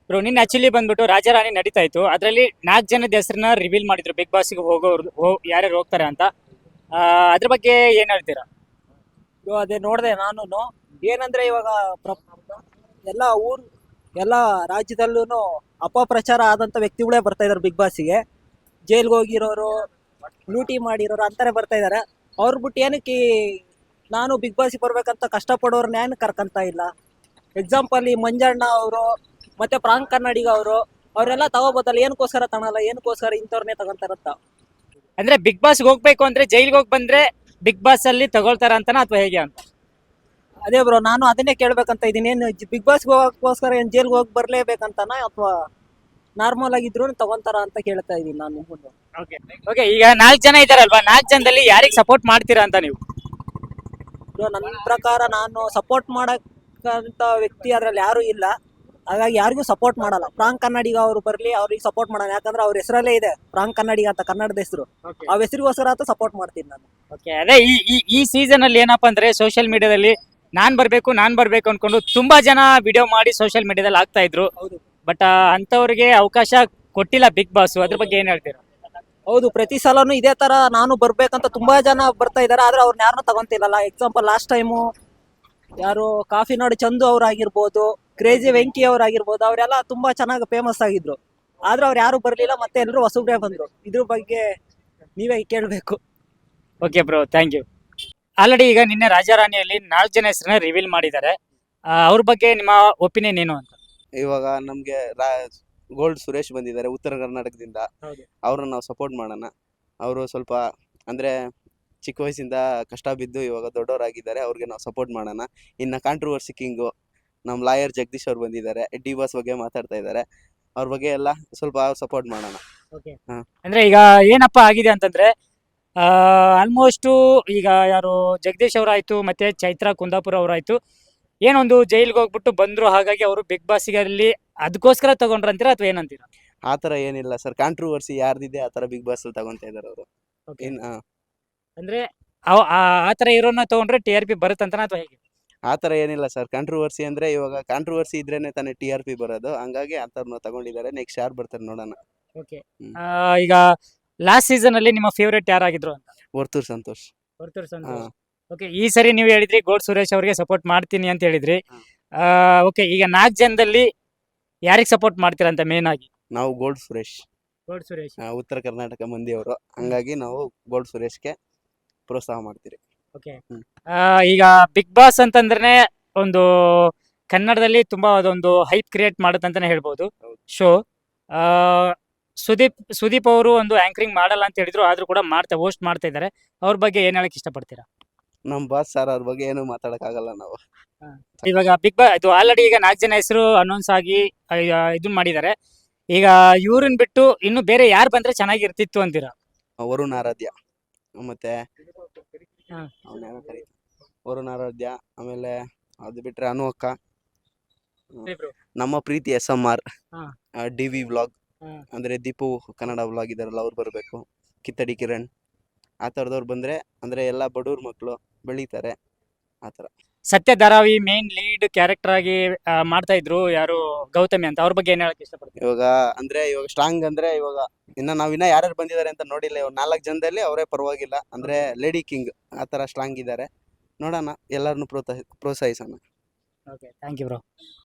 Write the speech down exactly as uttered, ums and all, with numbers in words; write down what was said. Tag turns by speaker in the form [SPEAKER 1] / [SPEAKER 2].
[SPEAKER 1] Bro ನಿನ್ನೆ actually ಬಂದ್ಬಿಟ್ಟು ರಾಜಾರಾಣಿ ನಡೀತಾ ಇತ್ತು. ಅದರಲ್ಲಿ ನಾಲ್ಕು ಜನದ ಹೆಸರನ್ನ ರಿವೀಲ್ ಮಾಡಿದ್ರು ಬಿಗ್ ಬಾಸ್ಗೆ ಹೋಗೋರು ಹೋ- ಯಾರ್ಯಾರು ಹೋಗ್ತಾರೆ ಅಂತ. ಆ, ಅದ್ರ ಬಗ್ಗೆ ಏನ್ ಹೇಳ್ತೀರಾ?
[SPEAKER 2] ಇವಾಗ ಅದೇ ನೋಡಿದೆ ನಾನು. ಏನಂದ್ರೆ ಇವಾಗ ಪ್ರ- ಎಲ್ಲ ಊರ್ ಎಲ್ಲ ರಾಜ್ಯದಲ್ಲೂ ಅಪಪ್ರಚಾರ ಆದಂತ ವ್ಯಕ್ತಿಗಳೇ ಬರ್ತಾ ಇದಾರೆ ಬಿಗ್ ಬಾಸ್ಗೆ. ಜೈಲ್ಗೆ ಹೋಗಿರೋರು, ಲೂಟಿ ಮಾಡಿರೋರು ಅಂತಾನೆ ಬರ್ತಾ ಇದಾರೆ. ಅವ್ರ ಬಿಟ್ಟು ಏನಕ್ಕೆ ಈ- ನಾನು ಬಿಗ್ ಬಾಸ್ಗೆ ಬರ್ಬೇಕಂತ ಕಷ್ಟಪಡೋರ್ನ ಏನು ಕರ್ಕಂತ ಇಲ್ಲ. ಎಕ್ಸಾಂಪಲ್ ಈ ಮಂಜಣ್ಣ ಅವರು ಮತ್ತೆ ಪ್ರಾಂಕ್ ಕನ್ನಡಿಗ ಅವರು ಅವರೆಲ್ಲ ತಗೋಬೋದಲ್ಲ, ಏನಕ್ಕೋಸ್ಕರ ತಗೊಳಲ್ಲ, ಏನಕ್ಕೋಸ್ಕರ ಇಂಥವ್ರನ್ನೇ ತಗೊಂತಾರಂತ.
[SPEAKER 1] ಅಂದ್ರೆ ಬಿಗ್ ಬಾಸ್ಗೆ ಹೋಗ್ಬೇಕು ಅಂದ್ರೆ ಜೈಲ್ಗೆ ಹೋಗಿ ಬಂದ್ರೆ ಬಿಗ್ ಬಾಸ್ ಅಲ್ಲಿ ತಗೊಳ್ತಾರ ಅಂತನಾ ಅಥವಾ ಹೇಗೆ ಅಂತ?
[SPEAKER 2] ಅದೇ ಬ್ರೋ, ನಾನು ಅದನ್ನೇ ಕೇಳ್ಬೇಕಂತ ಇದೀನಿ. ಏನು ಬಿಗ್ ಬಾಸ್ಗೆ ಹೋಗೋಕ್ಕೋಸ್ಕರ ಏನ್ ಜೈಲ್ಗೆ ಹೋಗಿ ಬರ್ಲೇಬೇಕಂತಾನ ಅಥವಾ ನಾರ್ಮಲ್ ಆಗಿದ್ರು ತಗೊಂತಾರ ಅಂತ ಕೇಳ್ತಾ ಇದೀನಿ ನಾನು ನಿಮ್ಮನ್ನು.
[SPEAKER 1] ಓಕೆ ಓಕೆ ಈಗ ನಾಲ್ಕು ಜನ ಇದಾರಲ್ವಾ, ನಾಲ್ಕು ಜನದಲ್ಲಿ ಯಾರಿಗೆ ಸಪೋರ್ಟ್ ಮಾಡ್ತೀರಾ ಅಂತ ನೀವು?
[SPEAKER 2] ಬ್ರೋ, ನನ್ನ ಪ್ರಕಾರ ನಾನು ಸಪೋರ್ಟ್ ಮಾಡಕ್ಕಂತ ವ್ಯಕ್ತಿ ಅದ್ರಲ್ಲಿ ಯಾರು ಇಲ್ಲ. ಹಾಗಾಗಿ ಯಾರಿಗೂ ಸಪೋರ್ಟ್ ಮಾಡಲ್ಲ. ಪ್ರಾಂಕ್ ಕನ್ನಡಿಗ ಅವರು ಬರ್ಲಿ, ಅವ್ರಿಗೆ ಸಪೋರ್ಟ್ ಮಾಡೋಣ. ಯಾಕಂದ್ರೆ ಅವ್ರ ಹೆಸರಲ್ಲೇ ಇದೆ ಪ್ರಾಂಕ್ ಕನ್ನಡಿಗ ಅಂತ, ಕನ್ನಡದ ಹೆಸರು. ಆ ಹೆಸರಿಗೋಸ್ಕರ ಅಂತ ಸಪೋರ್ಟ್ ಮಾಡ್ತೀನಿ ನಾನು.
[SPEAKER 1] ಓಕೆ ಅದೇ ಈ ಈ ಈ ಸೀಸನ್ ಅಲ್ಲಿ ಏನಪ್ಪಾ ಅಂದ್ರೆ ಸೋಷಿಯಲ್ ಮೀಡಿಯಾದಲ್ಲಿ ನಾನ್ ಬರ್ಬೇಕು ನಾನ್ ಬರ್ಬೇಕು ಅನ್ಕೊಂಡು ತುಂಬಾ ಜನ ವಿಡಿಯೋ ಮಾಡಿ ಸೋಷಿಯಲ್ ಮೀಡಿಯಾದಲ್ಲಿ ಹಾಕ್ತಾ ಇದ್ರು.
[SPEAKER 2] ಹೌದು
[SPEAKER 1] ಬಟ್ ಅಂತವ್ರಿಗೆ ಅವಕಾಶ ಕೊಟ್ಟಿಲ್ಲ ಬಿಗ್ ಬಾಸ್. ಅದ್ರ ಬಗ್ಗೆ ಏನ್ ಹೇಳ್ತೀರಾ?
[SPEAKER 2] ಹೌದು, ಪ್ರತಿ ಸಲನು ಇದೇ ತರ ನಾನು ಬರ್ಬೇಕಂತ ತುಂಬಾ ಜನ ಬರ್ತಾ ಇದಾರೆ, ಆದ್ರೆ ಅವ್ರನ್ನ ಯಾರನ್ನೂ ತಗೊಂತಿಲ್ಲಲ್ಲ. ಎಕ್ಸಾಂಪಲ್ ಲಾಸ್ಟ್ ಟೈಮು ಯಾರು ಕಾಫಿ ನಾಡು ಚಂದು ಅವ್ರಾಗಿರ್ಬೋದು, ಕ್ರೇಜಿ ವೆಂಕಿ ಅವ್ರಾಗಿರ್ಬೋದು, ಅವರೆಲ್ಲ ತುಂಬಾ ಚೆನ್ನಾಗಿ ಫೇಮಸ್ ಆಗಿದ್ರು. ಆದ್ರೆ ಅವ್ರು ಯಾರು ಬರ್ಲಿಲ್ಲ, ಮತ್ತೆ ಎಲ್ಲರೂ ಹೊಸಬ್ರೇ ಬಂದ್ರು. ಇದ್ರ ಬಗ್ಗೆ ನೀವೇ ಕೇಳ್ಬೇಕು.
[SPEAKER 1] Okay bro, thank you. Already ಈಗ ನಿನ್ನೆ ರಾಜಾರಾಣಿಯಲ್ಲಿ ನಾಲ್ಕು ಜನ ಹೆಸರನ್ನ ರಿವೀಲ್ ಮಾಡಿದ್ದಾರೆ. ಆ, ಅವ್ರ ಬಗ್ಗೆ ನಿಮ್ಮ ಒಪಿನಿಯನ್ ಏನು ಅಂತ?
[SPEAKER 3] ಇವಾಗ ನಮ್ಗೆ ರಾ ಗೋಲ್ಡ್ ಸುರೇಶ್ ಬಂದಿದ್ದಾರೆ ಉತ್ತರ ಕರ್ನಾಟಕದಿಂದ.
[SPEAKER 1] ಹೌದು.
[SPEAKER 3] ಅವ್ರನ್ನ ನಾವು ಸಪೋರ್ಟ್ ಮಾಡೋಣ. ಅವರು ಸ್ವಲ್ಪ ಅಂದ್ರೆ ಚಿಕ್ಕ ವಯಸ್ಸಿಂದ ಕಷ್ಟ ಬಿದ್ದು ಇವಾಗ ದೊಡ್ಡವರಾಗಿದ್ದಾರೆ, ಅವ್ರಿಗೆ ನಾವು ಸಪೋರ್ಟ್ ಮಾಡೋಣ. ಇನ್ನು ಕಾಂಟ್ರವರ್ಸಿ ಕಿಂಗು ನಮ್ಮ ಲಾಯರ್ ಜಗದೀಶ್ ಅವ್ರು ಬಂದಿದ್ದಾರೆ, ಡಿ ಬಾಸ್ ಬಗ್ಗೆ ಮಾತಾಡ್ತಾ ಇದ್ದಾರೆ. ಅವ್ರ ಬಗ್ಗೆ ಎಲ್ಲ ಸ್ವಲ್ಪ ಸಪೋರ್ಟ್ ಮಾಡೋಣ. ಹಾ.
[SPEAKER 1] ಅಂದ್ರೆ ಈಗ ಏನಪ್ಪಾ ಆಗಿದೆ ಅಂತಂದ್ರೆ ಆಲ್ಮೋಸ್ಟ್ ಈಗ ಯಾರು ಜಗದೀಶ್ ಅವರಾಯ್ತು ಮತ್ತೆ ಚೈತ್ರಾ ಕುಂದಾಪುರ ಅವರಾಯ್ತು, ಏನೊಂದು ಜೈಲ್ಗೆ ಹೋಗ್ಬಿಟ್ಟು ಬಂದ್ರು, ಹಾಗಾಗಿ ಅವರು ಬಿಗ್ ಬಾಸ್ಗೆ ಅಲ್ಲಿ ಅದಕ್ಕೋಸ್ಕರ ತಗೊಂಡ್ರ ಅಂತೀರಾ ಅಥವಾ ಏನಂತೀರಾ?
[SPEAKER 3] ಆ ಥರ ಏನಿಲ್ಲ ಸರ್, ಕಾಂಟ್ರವರ್ಸಿ ಯಾರ್ದಿದೆ ಆ ಥರ ಬಿಗ್ ಬಾಸ್ ಅಲ್ಲಿ ತಗೊಂತಾ ಇದ್ದಾರೆ ಅವರು. ಇನ್ ಆ,
[SPEAKER 1] ಅಂದ್ರೆ ಅವ್- ಆ ಆ ತರ ಇರೋನ್ನ ತಗೊಂಡ್ರೆ ಟಿ ಆರ್ ಪಿ ಬರುತ್ತಂತನ ಅಥವಾ ಹೇಗೆ?
[SPEAKER 3] ಆ ಥರ ಏನಿಲ್ಲ ಸರ್. ಕಾಂಟ್ರವರ್ಸಿ ಅಂದ್ರೆ ಇವಾಗ ಕಾಂಟ್ರವರ್ಸಿ ಇದ್ರೇನೆ ತಾನೇ ಟಿ ಆರ್ ಪಿ ಬರೋದು. ಹಂಗಾಗಿ ಆ ಥರನ ತಗೊಂಡಿದ್ದಾರೆ. ನೆಕ್ಸ್ಟ್ ಯಾರು ಬರ್ತಾರೆ ನೋಡೋಣ.
[SPEAKER 1] ಓಕೆ.
[SPEAKER 3] ಹ್ಮ್.
[SPEAKER 1] ಈಗ ಲಾಸ್ಟ್ ಸೀಸನ್ ಅಲ್ಲಿ ನಿಮ್ಮ ಫೇವರೇಟ್ ಯಾರಾಗಿದ್ರು ಅಂತ?
[SPEAKER 3] ವರ್ತೂರ್ ಸಂತೋಷ್. ಹಾ.
[SPEAKER 1] ಓಕೆ, ಈ ಸರಿ ನೀವು ಹೇಳಿದ್ರಿ ಗೋಡ್ ಸುರೇಶ್ ಅವರಿಗೆ ಸಪೋರ್ಟ್ ಮಾಡ್ತೀನಿ ಅಂತ ಹೇಳಿದ್ರಿ.
[SPEAKER 3] ಹಾ.
[SPEAKER 1] ಓಕೆ, ಈಗ ನಾಲ್ಕು ಜನದಲ್ಲಿ ಯಾರಿಗೆ ಸಪೋರ್ಟ್ ಮಾಡ್ತೀರಾ ಅಂತ ಮೇನ್ ಆಗಿ?
[SPEAKER 3] ನಾವು ಗೋಲ್ಡ್ ಸುರೇಶ್,
[SPEAKER 1] ಗೋಡ್ ಸುರೇಶ್.
[SPEAKER 3] ಆ, ಉತ್ತರ ಕರ್ನಾಟಕ ಮಂದಿಯವರು. ಹಂಗಾಗಿ ನಾವು ಗೋಲ್ಡ್ ಸುರೇಶ್ಗೆ ಪ್ರೋತ್ಸಾಹ ಮಾಡ್ತೀರಿ.
[SPEAKER 1] ಓಕೆ.
[SPEAKER 3] ಹ್ಮ್.
[SPEAKER 1] ಈಗ ಬಿಗ್ ಬಾಸ್ ಅಂತಂದ್ರೆ ಒಂದು ಕನ್ನಡದಲ್ಲಿ ತುಂಬಾ ಅದೊಂದು ಹೈಪ್ ಕ್ರಿಯೇಟ್ ಮಾಡುತ್ತಂತಾನೆ ಹೇಳ್ಬೋದು
[SPEAKER 3] ಹೌದು.
[SPEAKER 1] ಶೋ. ಸುದೀಪ್ ಸುದೀಪ್ ಅವರು ಒಂದು ಆಂಕರಿಂಗ್ ಮಾಡಲ್ಲ ಅಂತ ಹೇಳಿದ್ರು, ಆದ್ರೂ ಕೂಡ ಮಾಡ್ತಾ ಹೋಸ್ಟ್ ಮಾಡ್ತಾ ಇದ್ದಾರೆ. ಅವ್ರ ಬಗ್ಗೆ ಏನ್ ಹೇಳಕ್ ಇಷ್ಟಪಡ್ತೀರಾ?
[SPEAKER 3] ನಮ್ಮ ಬಾಸ್ ಸರ್ ಅವ್ರ ಬಗ್ಗೆ ಏನು ಮಾತಾಡಕ್ಕಾಗಲ್ಲ ನಾವು.
[SPEAKER 1] ಇವಾಗ ಬಿಗ್ ಬಾಸ್ ಇದು ಆಲ್ರೆಡಿ ಈಗ ನಾಲ್ಕು ಜನ ಹೆಸರು ಅನೌನ್ಸ್ ಆಗಿ ಇದನ್ನ ಮಾಡಿದ್ದಾರೆ. ಈಗ ಇವ್ರನ್ನ ಬಿಟ್ಟು ಇನ್ನು ಬೇರೆ ಯಾರು ಬಂದ್ರೆ ಚೆನ್ನಾಗಿರ್ತಿತ್ತು ಅಂತೀರಾ?
[SPEAKER 3] ವರುಣ್ ಆರಾಧ್ಯ, ಮತ್ತೆ
[SPEAKER 1] ಹಾ.
[SPEAKER 3] ಅವ್ನ ಯಾರೋ ಕರೀತಾರೆ, ವರುಣ್ ಆರಾಧ್ಯ. ಆಮೇಲೆ ಅದು ಬಿಟ್ರೆ ಅನು ಅಕ್ಕ, ನಮ್ಮ ಪ್ರೀತಿ ಎಸ್ ಎಂ ಆರ್,
[SPEAKER 1] ಹಾ.
[SPEAKER 3] ಡಿ ವಿ ವ್ಲಾಗ್
[SPEAKER 1] ಹಾ.
[SPEAKER 3] ಅಂದ್ರೆ ದೀಪು ಕನ್ನಡ ವ್ಲಾಗ್ ಇದಾರಲ್ಲ, ಅವ್ರು ಬರಬೇಕು. ಕಿತ್ತಡಿ ಕಿರಣ್, ಆ ಥರದವ್ರು ಬಂದ್ರೆ ಅಂದ್ರೆ ಎಲ್ಲ ಬಡವ್ರ ಮಕ್ಕಳು ಬೆಳೀತಾರೆ ಆ ಥರ.
[SPEAKER 1] ಸತ್ಯ ಧಾರಾವಿ ಮೇನ್ ಲೀಡ್ ಕ್ಯಾರೆಕ್ಟರ್ ಆಗಿ ಆ, ಮಾಡ್ತಾ ಇದ್ರು ಯಾರು ಗೌತಮಿ ಅಂತ. ಅವ್ರ ಬಗ್ಗೆ ಏನ್ ಹೇಳಕ್ ಇಷ್ಟಪಡ್ತೀರಾ?
[SPEAKER 3] ಇವಾಗ ಅಂದ್ರೆ ಇವಾಗ ಸ್ಟ್ರಾಂಗ್ ಅಂದ್ರೆ ಇವಾಗ ಇನ್ನ ನಾವಿನ್ನ ಯಾರ್ಯಾರು ಬಂದಿದ್ದಾರೆ ಅಂತ ನೋಡಿಲ್ಲ. ಇವಾಗ ನಾಲ್ಕು ಜನದಲ್ಲಿ ಅವರೇ ಪರವಾಗಿಲ್ಲ, ಅಂದ್ರೆ ಲೇಡಿ ಕಿಂಗ್ ಆ ಥರ ಸ್ಟ್ರಾಂಗ್ ಇದ್ದಾರೆ. ನೋಡೋಣ, ಎಲ್ಲರನ್ನು ಪ್ರೋತ್ಸಾಹ ಪ್ರೋತ್ಸಾಹಿಸೋಣ.
[SPEAKER 1] Okay, thank you bro.